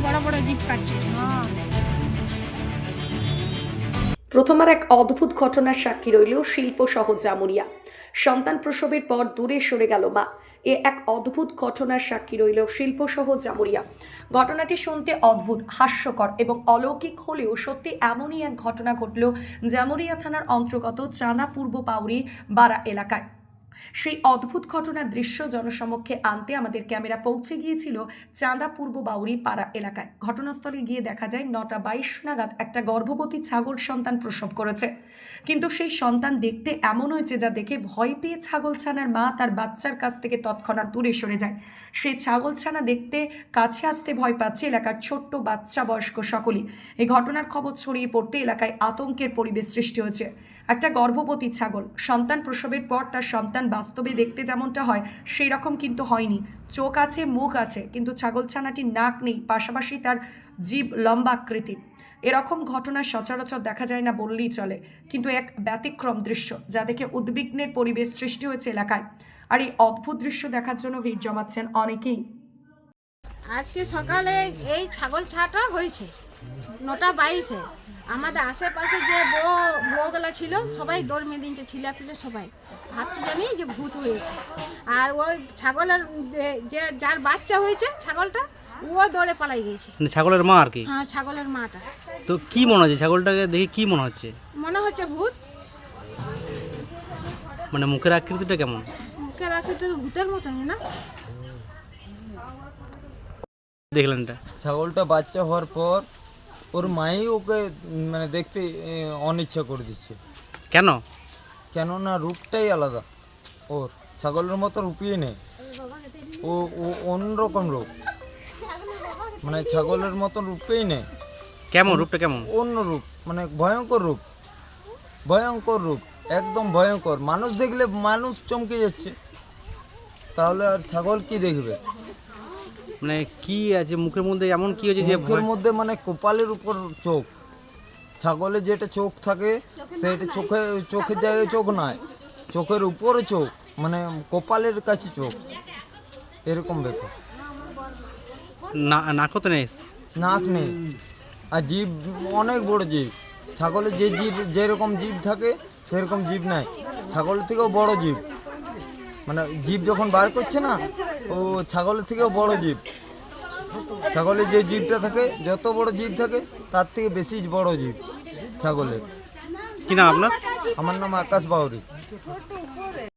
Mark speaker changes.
Speaker 1: বড় বড় জিভ কাটছে।
Speaker 2: প্রথমবার এক অদ্ভুত ঘটনার সাক্ষী রইল শিল্প শহর জামুরিয়া। সন্তান প্রসবের পর দূরে সরে গেল মা। এক অদ্ভুত ঘটনার সাক্ষী রইল শিল্প শহর জামুরিয়া। ঘটনাটি শুনতে অদ্ভুত, হাস্যকর এবং অলৌকিক হলেও সত্যি এমনই এক ঘটনা ঘটল জামুরিয়া থানার অন্তর্গত চাঁদা পূর্ব পাউরি বারা এলাকায়। সেই অদ্ভুত ঘটনার দৃশ্য জনসমক্ষে আনতে আমাদের ক্যামেরা পৌঁছে গিয়েছিল চাঁদা পূর্ব বাউরি পাড়া এলাকায়। ঘটনাস্থলে গিয়ে দেখা যায় 9টা 22 নাগাদ একটা গর্ভবতী ছাগল সন্তান প্রসব করেছে। কিন্তু সেই সন্তান দেখতে এমন হয়েছে যা দেখে ভয় পেয়ে ছাগলছানার মা তার বাচ্চার কাছ থেকে তৎক্ষণাৎ দূরে সরে যায়। সেই ছাগলছানা দেখতে কাছে আসতে ভয় পাচ্ছে এলাকার ছোট্ট বাচ্চা বয়স্ক সকলেই। এই ঘটনার খবর ছড়িয়ে পড়তে এলাকায় আতঙ্কের পরিবেশ সৃষ্টি হয়েছে। একটা গর্ভবতী ছাগল সন্তান প্রসবের পর তার সন্তান বাস্তবে দেখতে যেমনটা হয় সেই রকম কিন্তু হয়নি। চোখ আছে, মুখ আছে, কিন্তু ছাগলছানাটির নাক নেই, পাশাপাশি তার জিভ লম্বা আকৃতির। এরকম ঘটনা সচরাচর দেখা যায় না বললেই চলে, কিন্তু এক ব্যতিক্রম দৃশ্য যা দেখে উদ্বিগ্নের পরিবেশ সৃষ্টি হয়েছে এলাকায়। আর এই অদ্ভুত দৃশ্য দেখার জন্য ভিড় জমাচ্ছেন অনেকেই।
Speaker 1: আজকে সকালে এই ছাগল ছাটা হয়েছে 9টা 22-এ। আমাদের আশেপাশে যে বউগুলা ছিল সবাই দৌড় মেয়ে দিনছে, ছিলাপিলে সবাই ভাবছি জানি যে ভূত হয়েছে। আর ওই ছাগলের যে যার বাচ্চা হয়েছে ছাগলটা, ও দৌড়ে পালাই গেছে।
Speaker 3: মানে ছাগলের মা আর কি?
Speaker 1: হ্যাঁ, ছাগলের মাটা।
Speaker 3: তো কি মনে হচ্ছে ছাগলটাকে দেখে, কি মনে হচ্ছে?
Speaker 1: মনে হচ্ছে ভূত।
Speaker 3: মানে মুখের আকৃতিটা কেমন?
Speaker 1: মুখে রাখি তো ভূতের মতনই না।
Speaker 3: দেখলেন এটা?
Speaker 4: ছাগলটা বাচ্চা হওয়ার পর ওর মাই ওকে মানে দেখতে অনিচ্ছা করে দিচ্ছে।
Speaker 3: কেন?
Speaker 4: কেননা রূপটাই আলাদা ওর, ছাগলের মতো রূপই নেই। ও ও অন্যরকম রূপ, মানে ছাগলের মতো রূপেই নেই।
Speaker 3: কেমন রূপটা কেমন?
Speaker 4: অন্য রূপ, মানে ভয়ঙ্কর রূপ, ভয়ঙ্কর রূপ, একদম ভয়ঙ্কর। মানুষ দেখলে মানুষ চমকে যাচ্ছে, তাহলে আর ছাগল কি দেখবে?
Speaker 3: মানে কি আছে মুখের মধ্যে, এমন কি হয়েছে যে
Speaker 4: মুখের মধ্যে মানে কপালের উপর চোখ। ছাগলের যেটা চোখ থাকে সেটা চোখের জায়গায় চোখ নয়, চোখের উপরে চোখ, মানে কপালের কাছে চোখ, এরকম ব্যাপার।
Speaker 3: নাকও তো নেই?
Speaker 4: নাক নেই, আর জিভ অনেক বড় জিভ। ছাগলের যে জিভ যেরকম জিভ থাকে সেরকম জিভ নাই, ছাগলের থেকেও বড় জিভ। মানে জিভ যখন বার করছে না, ও ছাগলের থেকেও বড় জিভ। ছাগলের যে জিভটা থাকে, যত বড় জিভ থাকে তার থেকে বেশি বড় জিভ ছাগলের।
Speaker 3: কি নাম আপনার?
Speaker 4: আমার নাম আকাশ বাউরি।